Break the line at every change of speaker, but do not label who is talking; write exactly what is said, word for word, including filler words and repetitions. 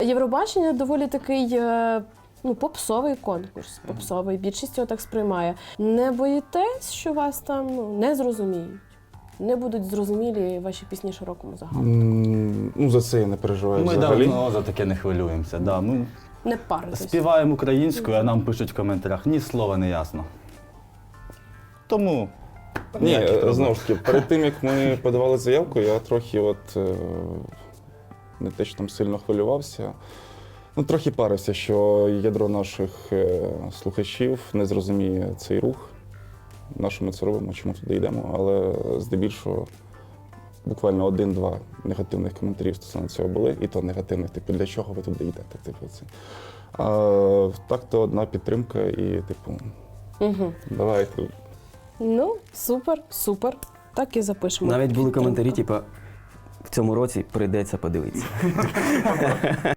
Євробачення доволі такий е, ну, попсовий конкурс, попсовий, більшість його так сприймає. Не боїтесь, що вас там ну, не зрозуміють? Не будуть зрозумілі ваші пісні широкому загалу?
М, Ну, за це я не переживаю
Ми
взагалі.
давно за таке не хвилюємося. Да. Ми
Не паритесь?
співаємо українською, а нам пишуть в коментарях, ні слова не ясно. Тому
Ні,
ніяких проблем.
знову ж таки, перед тим, як ми подавали заявку, я трохи от, е, не те, що там сильно хвилювався, ну, трохи парився, що ядро наших е, слухачів не зрозуміє цей рух, на що ми це робимо, чому туди йдемо, але здебільшого буквально один-два негативних коментарів стосовно цього були, і то негативних, типу, для чого ви туди йдете, типу, це. А так то одна підтримка і, типу,
Угу.
давайте.
Ну, супер, супер. Так і запишемо.
Навіть були
підтримку.
коментарі, типу, в цьому році прийдеться подивитися.